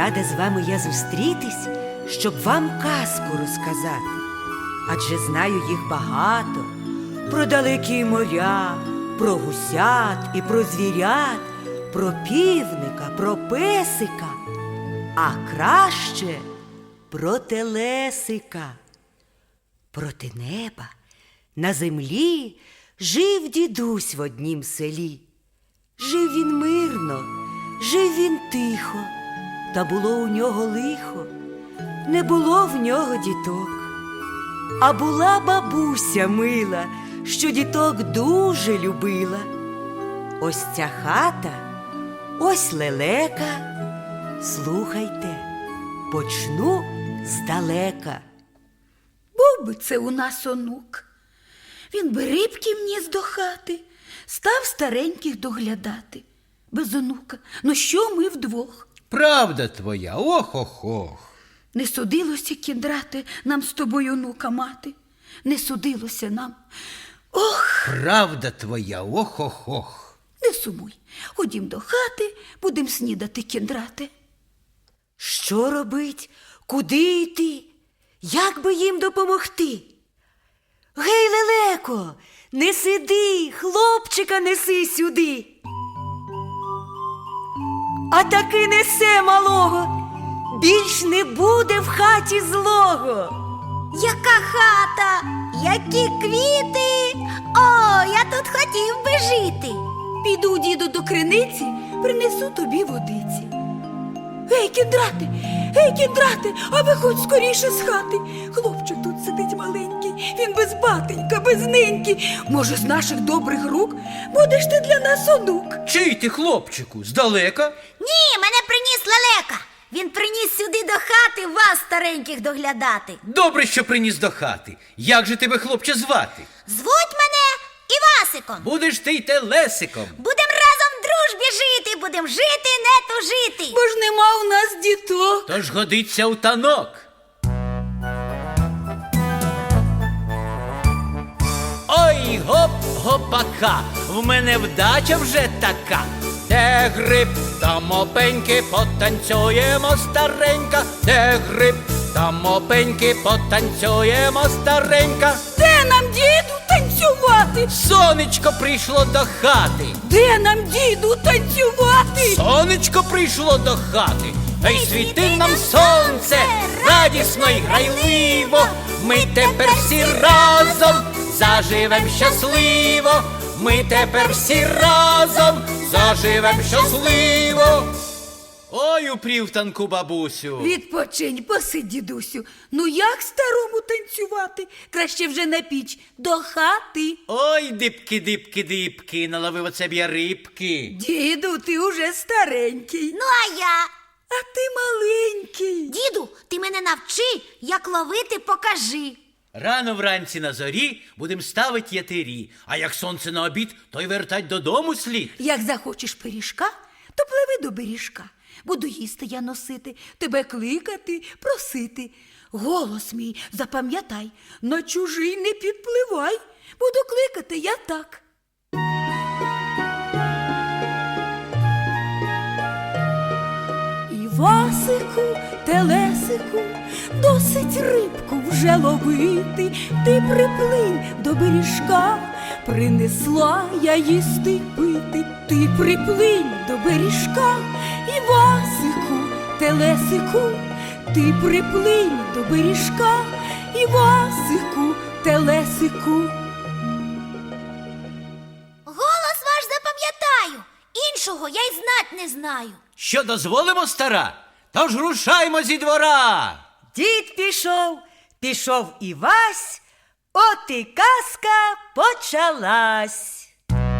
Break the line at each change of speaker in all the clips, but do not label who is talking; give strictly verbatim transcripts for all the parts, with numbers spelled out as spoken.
рада з вами я зустрітись, щоб вам казку розказати. Адже знаю їх багато, про далекі моря, про гусят і про звірят, про півника, про песика, а краще про телесика. Проти неба на землі жив дідусь в однім селі. Жив він мирно, жив він тихо, та було у нього лихо, не було в нього діток. А була бабуся мила, що діток дуже любила. Ось ця хата, ось лелека. Слухайте, почну здалека.
Був би це у нас онук. Він би рибки вніс до хати, став стареньких доглядати. Без онука, ну що ми вдвох?
Правда твоя, ох-ох-ох.
Не судилося, кіндрате, нам з тобою онука мати. Не судилося нам. Ох,
Правда твоя, ох-ох-ох.
не сумуй. Ходім до хати, будем снідати, кіндрате.
Що робить? Куди йти? Як би їм допомогти? Гей, лелеко, не сиди, хлопчика неси сюди. А таки несе малого, більш не буде в хаті злого.
Яка хата, які квіти! О, я тут хотів би жити.
Піду, діду, до криниці, принесу тобі водиці. Гей, кіндрате, гей, кіндрате, а виходь скоріше з хати. Хлопчик тут сидить маленький, він без батенька, без неньки. Може, з наших добрих рук будеш ти для нас онук?
Чий ти, хлопчику, здалека?
Ні, мене приніс лелека. Він приніс сюди до хати вас, стареньких, доглядати.
Добре, що приніс до хати. Як же тебе, хлопче, звати?
Звуть мене Івасиком.
Будеш ти й телесиком.
Будем разом в дружбі жити, будем жити, не тужити.
Бо ж нема у нас діток.
Тож годиться у танок. Ой, гоп-гопака, в мене вдача вже така. Де гриб, там опеньки, потанцюємо старенька. Де гриб, там опеньки, потанцюємо старенька.
Де нам, діду, танцювати?
Сонечко прийшло до хати.
Де нам, діду, танцювати?
Сонечко прийшло до хати. Ей, світи нам сонце, радісно й грайливо. Ми тепер всі разом заживем щасливо. Ми тепер всі разом заживем щасливо. Ой, у прівтанку, бабусю.
Відпочинь, посидь, дідусю. Ну як старому танцювати? Краще вже на піч, до хати.
Ой, дипки-дипки-дипки, наловив оце б я рибки.
Діду, ти уже старенький,
Ну, а я?
а ти маленький.
Діду, ти мене навчи, як ловити, покажи.
Рано вранці на зорі будем ставить ятирі, а як сонце на обід, то й вертать додому слід.
Як захочеш пиріжка, то пливи до беріжка. Буду їсти я носити, тебе кликати, просити. Голос мій запам'ятай, на чужий не підпливай. Буду кликати я так. Івасику, телесику, досить рибку вже ловити. Ти приплинь до беріжка, принесла я їсти пити. Ти приплинь до беріжка, Івасику, телесику. Ти приплинь до беріжка, Івасику, телесику.
Голос ваш запам'ятаю, іншого я й знать не знаю.
Що дозволимо, стара? Тож рушаймо зі двора.
Дід пішов, пішов і Вась, от і казка почалась.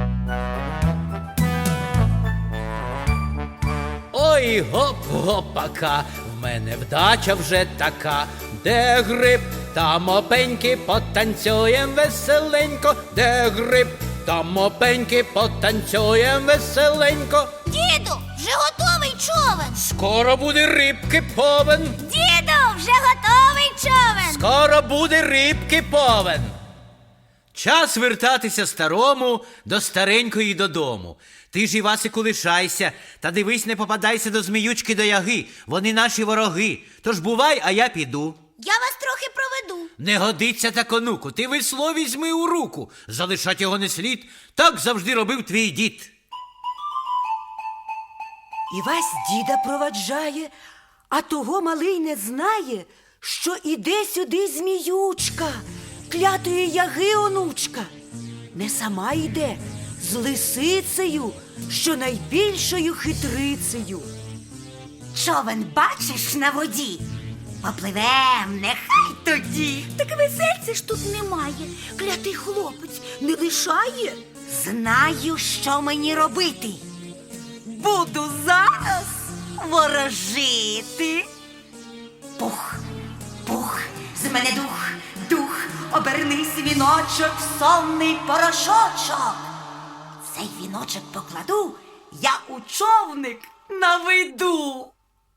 Ой, гоп-гопака, в мене вдача вже така. Де гриб, там опеньки, потанцюєм веселенько. Де гриб, там опеньки, потанцюєм веселенько.
Діду, вже готовий човен.
Скоро буде рибки повен.
Діду, вже готовий човен.
Скоро буде рибки повен. Час вертатися старому до старенької додому. Ти ж, Івасику, лишайся, та дивись, не попадайся до Зміючки, до Яги. Вони наші вороги. Тож бувай, а я піду.
Я вас трохи проведу.
Не годиться так, онуку, ти весло візьми у руку. Залишать його не слід, так завжди робив твій дід.
Івась діда проваджає, а того малий не знає, що іде сюди Зміючка, клятої Яги онучка. Не сама йде, з лисицею, що найбільшою хитрицею.
Човен бачиш на воді? Попливем, нехай тоді.
Так весельця ж тут немає. Клятий хлопець не лишає.
Знаю, що мені робити. Буду зараз ворожити. Пух, пух, з мене дух, дух, обернись, віночок, в сонний порошочок. Цей віночок покладу, я у човник наведу.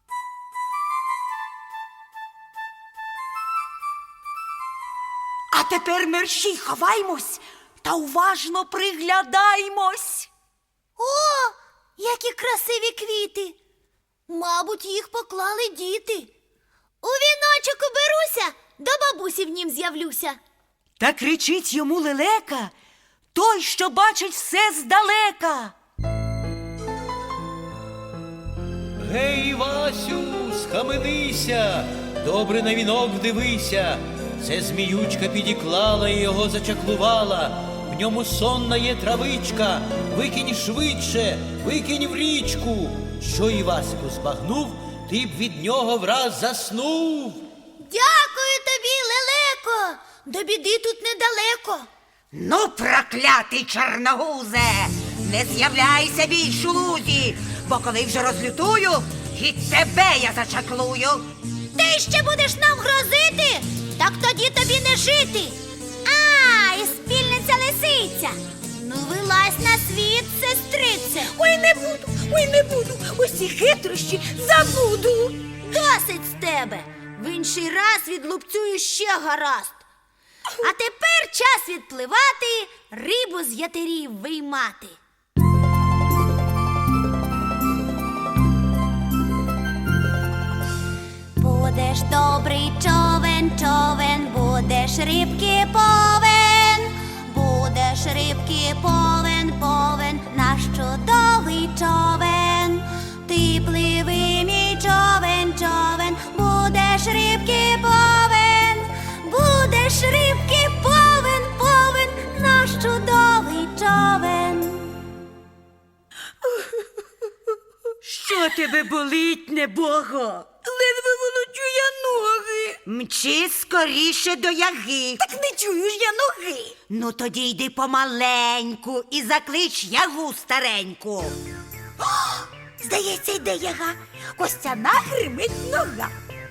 А тепер мерщій ховаймось та уважно приглядаймось.
О, які красиві квіти! Мабуть, їх поклали діти. У віночок уберуся, до бабусі в нім з'явлюся.
Та кричить йому лелека, той, що бачить все здалека.
Гей, Васю, схаменися, добре на вінок вдивися. Це Зміючка підіклала і його зачаклувала. В ньому сонна є травичка, викинь швидше, викинь в річку. Що Івасику збагнув, ти б від нього враз заснув.
Дякую тобі, лелеко, до біди тут недалеко.
Ну, проклятий чорногузе, не з'являйся більш у лузі, бо коли вже розлютую, і тебе я зачаклую.
Ти ще будеш нам грозити? Так тоді тобі не жити. А, і спільниця лисиця. Ну, вилазь на світ, сестрице.
Ой, не буду, ой, не буду. Усі хитрощі забуду.
Досить з тебе. В інший раз відлупцюю ще гаразд. А тепер час відпливати, рибу з ятерів виймати. Будеш добрий човен, човен, будеш рибки повен, будеш рибки повен, повен, наш чудовий човен. Ти пливи, мій човен, човен, будеш рибки повен, будеш рибки повен, повен, наш чудовий човен.
Що тебе болить, небого?
Ледве волочу я ноги.
Мчи скоріше до Яги.
Так не чую ж я ноги.
Ну тоді йди помаленьку і заклич Ягу стареньку.
Здається, йде яга. Костяна гримить нога.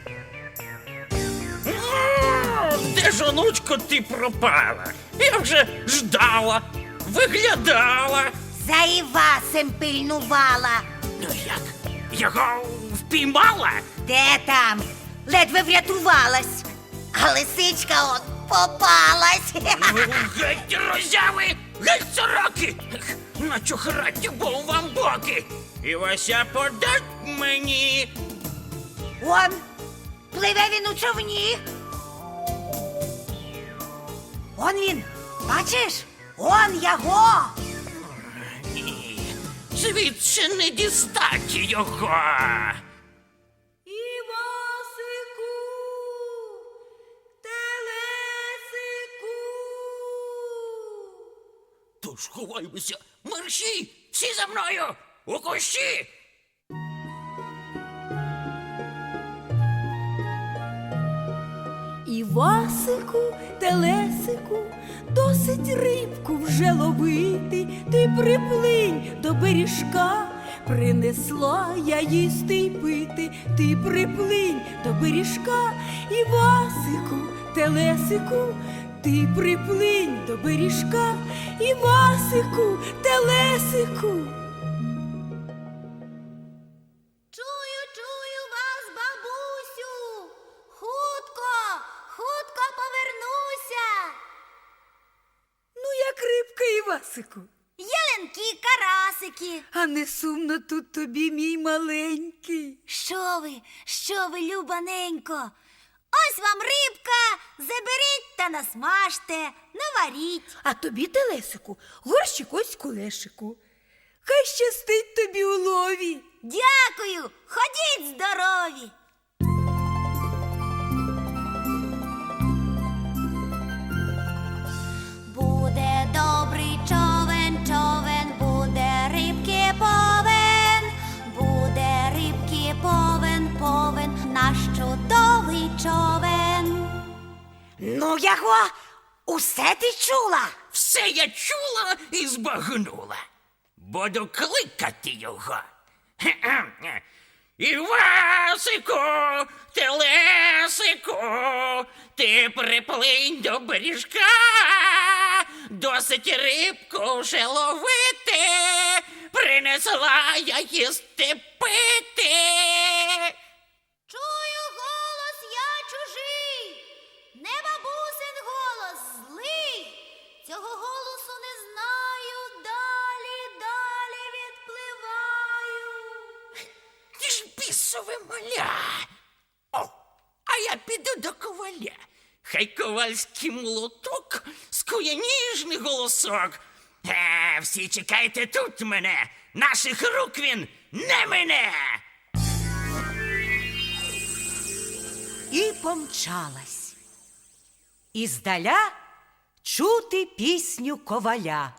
Де ж, онучко, ти пропала? Я вже ждала, виглядала.
За Івасем пильнувала.
Ну як? Його впіймала?
Де там? Ледве врятувалась. А лисичка от попалась.
Ну, геть роззяви, геть сороки. Начухрать бо вам боки. І Вася подать мені.
Он, пливе він у човні. Он він, бачиш? Он Яго.
Ні, звідси не дістать його.
Івасику, телесику.
Тож ховаймося, мерщій, всі за мною, у кущі.
Івасику, телесику, досить рибку вже ловити. Ти приплинь до бережка, принесла я їсти й пити. Ти приплинь до бережка, Івасику, телесику, ти приплинь до бережка, Івасику, телесику.
Чую, чую вас, бабусю. Хутко, хутко повернуся.
Ну,
Івасику?
Ялинки, карасики.
А не сумно тут тобі, мій маленький.
Що ви, що ви, любаненько? Ось вам рибка, заберіть та насмажте, наваріть.
А тобі, телесику, горщик ось кулешику. Хай щастить тобі у лові.
Дякую, ходіть здорові. Буде добрий човен, човен, буде рибки повен, буде рибки повен, повен, наш чудовий човен.
Ну його, усе ти чула?
Все я чула і збагнула. Буду кликати його. Хе-хе. Івасику, телесику, ти приплинь до бережка, досить рибку вже ловити, принесла я їсти пити.
Чую голос я чужий, не бабусин голос злий. Цього голосу не знаю, далі, далі відпливаю.
Ти ж бісове маля. О, а я піду до коваля. Хай ковальський молоток скує ніжний голосок. Е, всі чекайте тут мене, наших рук він не мине.
І помчалась. І здаля чути пісню коваля.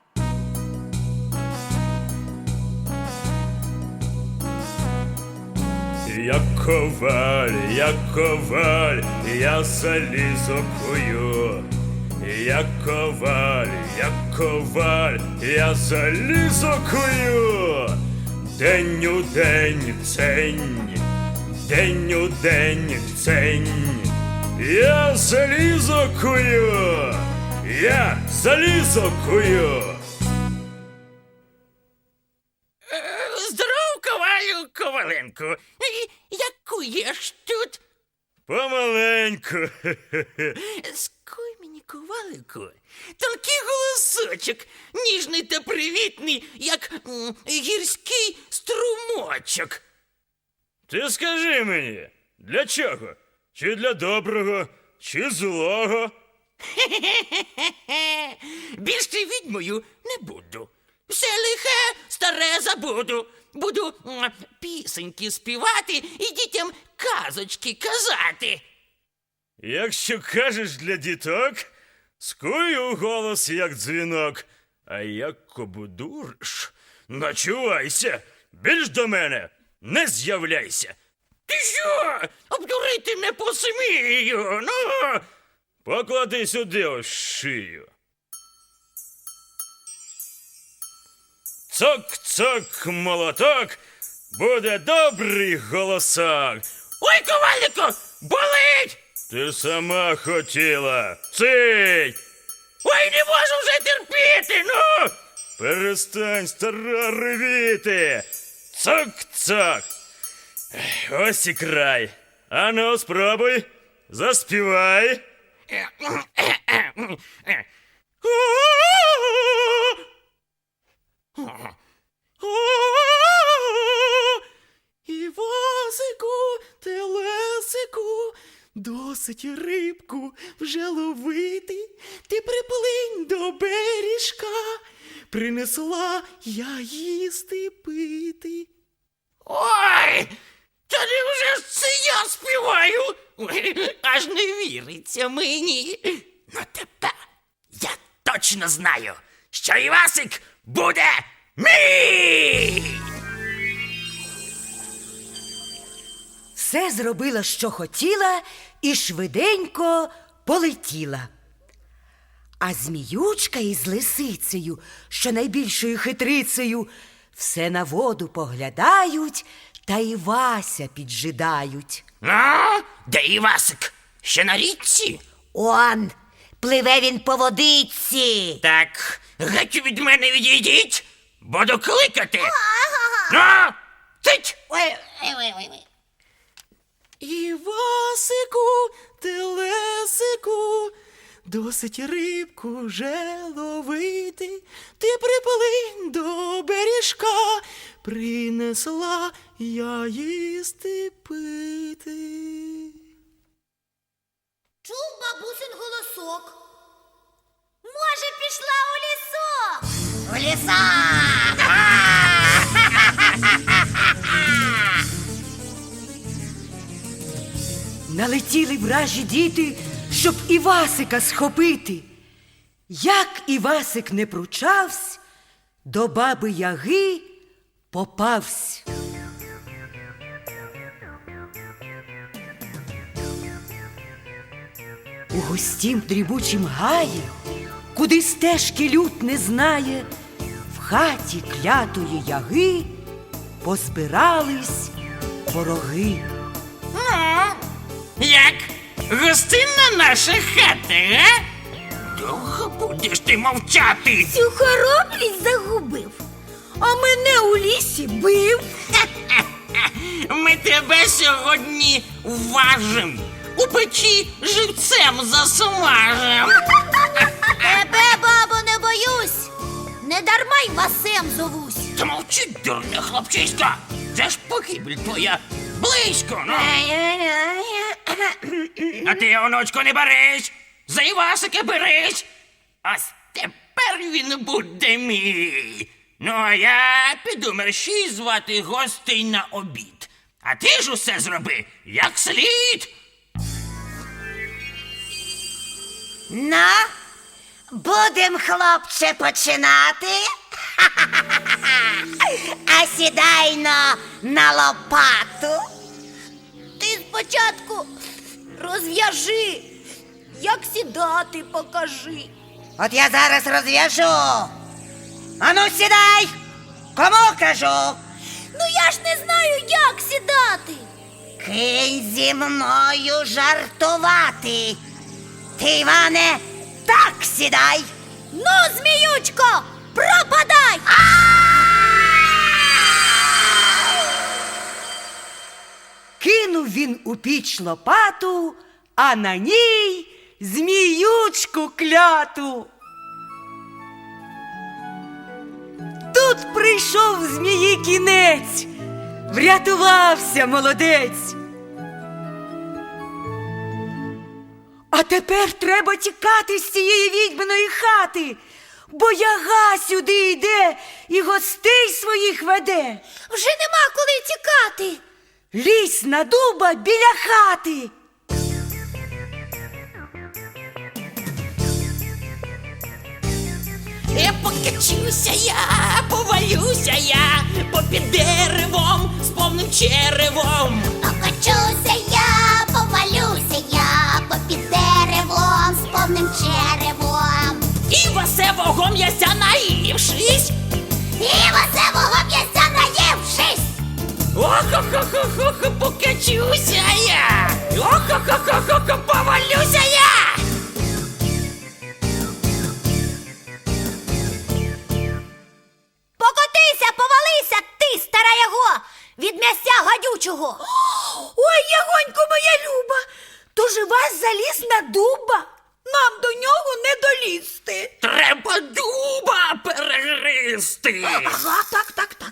Я коваль, я коваль, я залізо кую. Я коваль, я коваль, я залізо кую. День у день цень, день у день цень. Я залізо кую, я залізо кую.
Е, Здоров, ковалю Коваленку. Е, Як куєш тут?
Помаленьку.
Скуй мені, ковалику, тонкий голосочок, ніжний та привітний, як м, гірський струмочок.
Ти скажи мені, для чого? Чи для доброго, чи злого?
Хе-хе-хе-хе. Більше відьмою не буду. Все лихе, старе забуду. Буду м, пісеньки співати і дітям казочки казати.
Якщо кажеш для діток, скую голос, як дзвінок, а як кобудуриш, начувайся, більш до мене не з'являйся.
Ти що? Обдурити не посмію. Ну,
Поклади сюди ось шию. Цок-цок, молоток, буде добрий голосок.
ой, ковалику, болить!
Ти сама хотіла. Цить!
Ой, не можу вже терпіти, ну!
Перестань, стара, ревіти! Цок-цок! Ось і край. Ану, спробуй, заспівай.
Івасику, телесику, досить рибку вже ловити. Ти приплинь до бережка, принесла я їсти пити.
Ой, та невже ж це я співаю? Ой, аж не віриться мені. Ну тепер я точно знаю, що Івасик буде мій!
Все зробила, що хотіла, і швиденько полетіла. А зміючка із лисицею, що найбільшою хитрицею, все на воду поглядають та Івася піджидають.
А? Де Івасик? Ще на річці?
Он, пливе він по водиці.
Так, геть від мене відійдіть, буду кликати. Ну, цить!
Ой, ой, ой, ой, ой.
Івасику, телесику, досить рибку вже ловити. Ти приплинь до бережка, принесла я їсти пити.
Чув бабусин голосок. Може, пішла у лісок?
В ліса!
Налетіли вражі діти, щоб Івасика схопити. Як Івасик не пручавсь, до баби Яги попавсь. У густім дрібучім гаї, куди стежки люд не знає, в хаті клятої Яги позбирались вороги.
Як гостинна наша хата, га? Довго будеш ти мовчати?
Цю хоробрість загубив, а мене у лісі бив.
Ми тебе сьогодні важим. У печі живцем засмажем.
Тебе, бабо, не боюсь. Не дарма й Васем зовусь.
Та мовчи, дурне хлопчисько. Це ж погибель твоя близько, ну. А ти, онучку, не берись. За Івасика берись. Ось тепер він буде мій. Ну, а я піду мерщій звати гостей на обід. А ти ж усе зроби, як слід.
Ну, будем, хлопче, починати. А сідайно на лопату.
Ти спочатку розв'яжи, як сідати покажи.
От я зараз розв'яжу. Ану, сідай! Кому кажу?
Ну я ж не знаю, як сідати.
Кинь зі мною жартувати. Ти, Іване, так сідай.
Ну, зміючко, пропадай!
Кинув він у піч лопату, а на ній зміючку кляту. Тут прийшов змії кінець, врятувався молодець. А тепер треба тікати з цієї відьминої хати, бо Яга сюди йде і гостей своїх веде.
Вже нема коли тікати.
Лізь на дуба біля хати.
Я покачуся я, повалюся я, попід деревом з повним черевом.
Покачуся я, повалюся я, попід деревом з повним черевом.
І васевого м'яся наївшись.
І васевого м'яся наївшись.
Ох-ох-ох-ох, покачуся я. Ох-ох-ох-ох, повалюся я.
Покотися, повалися, ти, стара Яго, від м'яся гадючого. Ой, Ягонько моя люба, то ж вас заліз на дуба. Нам до нього не долізти.
Треба дуба перегризти.
Ага, так, так, так.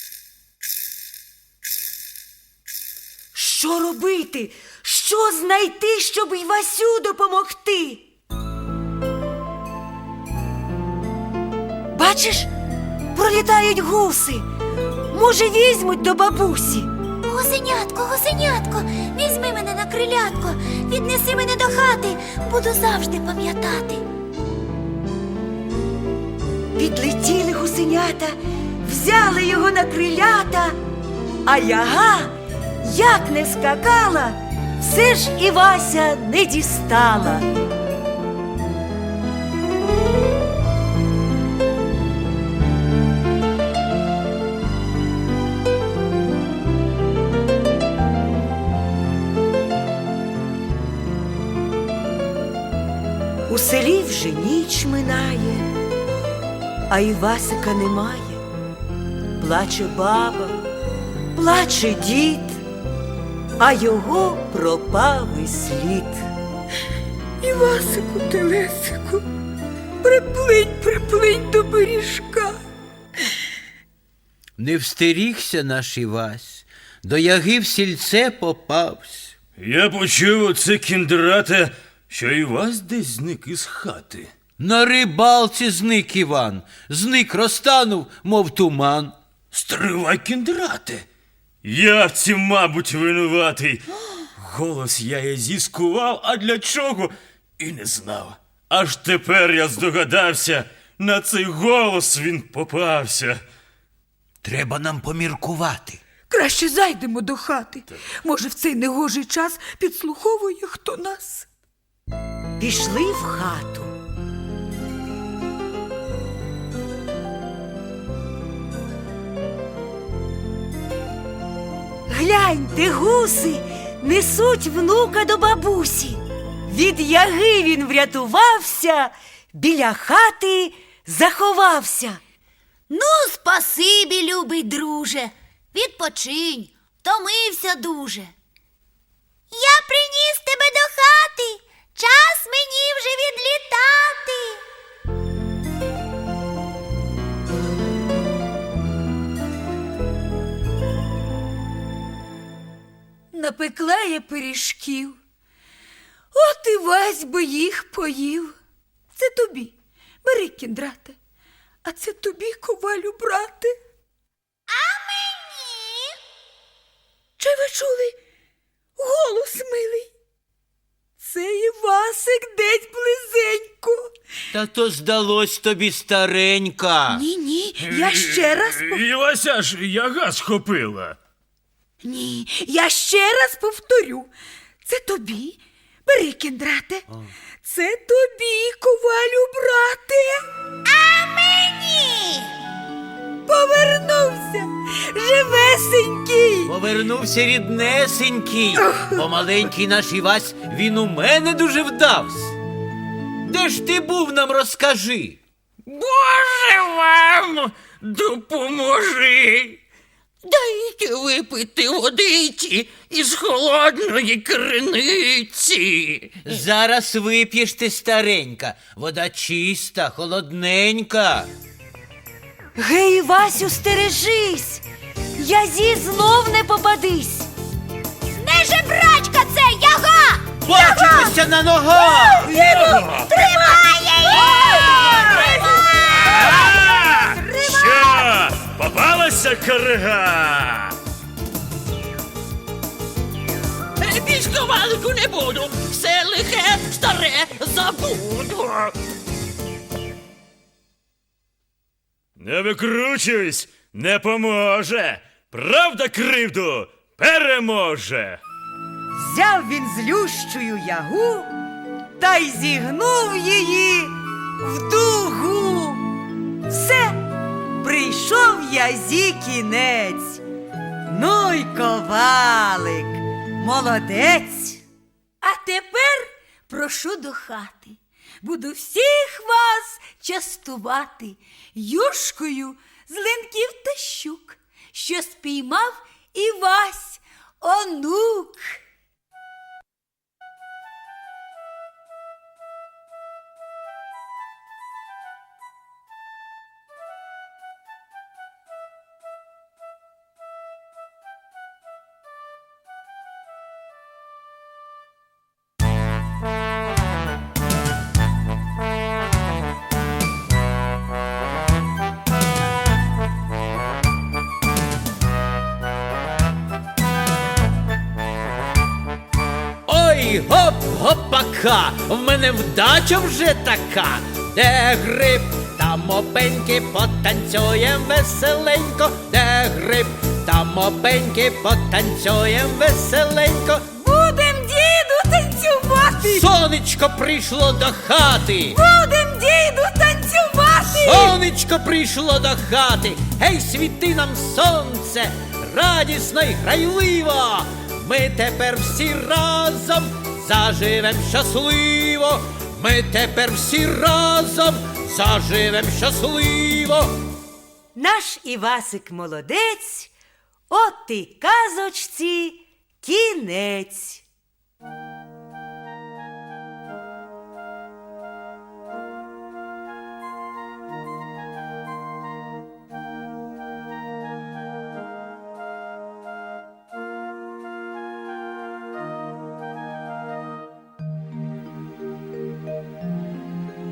Що робити? Що знайти, щоб Івасю допомогти? Бачиш, пролітають гуси. Може, візьмуть до бабусі.
Гусенятко, гусенятко, візьми мене на крилятко, віднеси мене до хати, буду завжди пам'ятати.
Підлетіли гусенята, взяли його на крилята, а Яга, як не скакала, все ж Івася не дістала. У селі вже ніч минає, а Івасика немає. Плаче баба, плаче дід, а його пропав і слід. Івасику телесику, приплинь, приплинь до бережка.
Не встерігся наш Івась, до яги в сільце попавсь.
Я почув оце кіндрате, що і вас десь зник із хати.
На рибалці зник Іван, зник розтанув, мов туман.
Стривай, кіндрате. Я в цім, мабуть, винуватий. Голос я і зіскував, а для чого і не знав. Аж тепер я здогадався, на цей голос він попався.
Треба нам поміркувати.
Краще зайдемо до хати. Може, в цей негожий час підслуховує хто нас.
Пішли в хату.
Гляньте, гуси несуть внука до бабусі. Від яги він врятувався, біля хати заховався. Ну, спасибі, любий друже, відпочинь, втомився дуже. Я приніс тебе до хати, час мені вже відлітати.
Напекла я пиріжків, от і Вась би їх поїв. Це тобі, бери, кіндрате, а це тобі, ковалю, брате.
А мені?
Чи ви чули голос милий? Це Івасик десь близенько.
Та то здалось тобі, старенька.
Ні-ні, я ще раз пов...
І Вася ж яга схопила.
Ні, я ще раз повторю. Це тобі, бери, кіндрате. Це тобі, ковалю, брате.
А мені?
Повернувся, живесенький.
Повернувся ріднесенький, бо маленький наш Івась, він у мене дуже вдавсь. Де ж ти був, нам розкажи?
Боже вам допоможи! Дайте випити водиці із холодної криниці.
Зараз вип'єш ти, старенька, вода чиста, холодненька.
Гей, Васю, стережись, язі знов не попадись. Не жебрачка це, яга!
Бачимося на ногах!
Тримає її!
А! Що? Попалася корига?
Більш ковалику не буду, все лихе старе забуду.
Не викручуйсь, не поможе. Правда кривду переможе.
Взяв він злющую ягу та й зігнув її в дугу. Все, прийшов язі кінець. Ну й ковалик, молодець.
А тепер прошу до хати. Буду всіх вас частувати юшкою з линків та щук, що спіймав Івась онук.
Ой, гоп-гопака, в мене вдача вже така. Де гриб, там опеньки, потанцюєм веселенько. Де гриб, там опеньки, потанцюєм веселенько.
Будем, діду, танцювати!
Сонечко прийшло до хати.
Будем, діду, танцювати!
Сонечко прийшло до хати. Гей, світи нам сонце, радісно й грайливо. Ми тепер всі разом заживем щасливо. Ми тепер всі разом заживем щасливо.
Наш Івасик молодець, от і казочці кінець.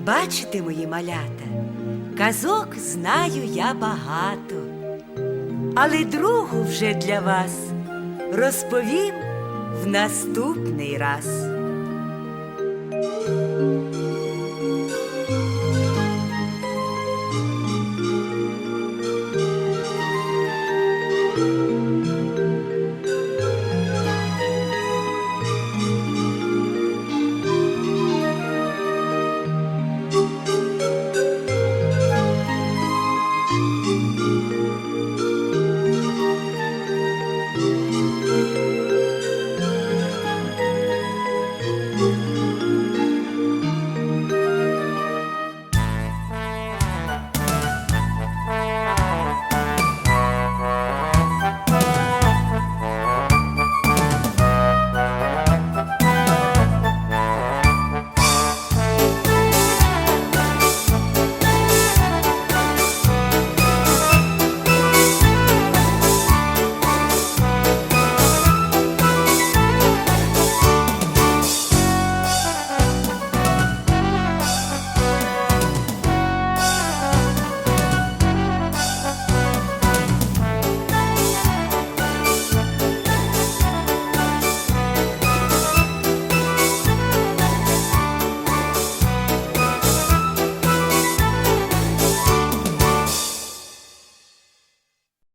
Бачите, мої малята, казок знаю я багато, але другу вже для вас розповім в наступний раз.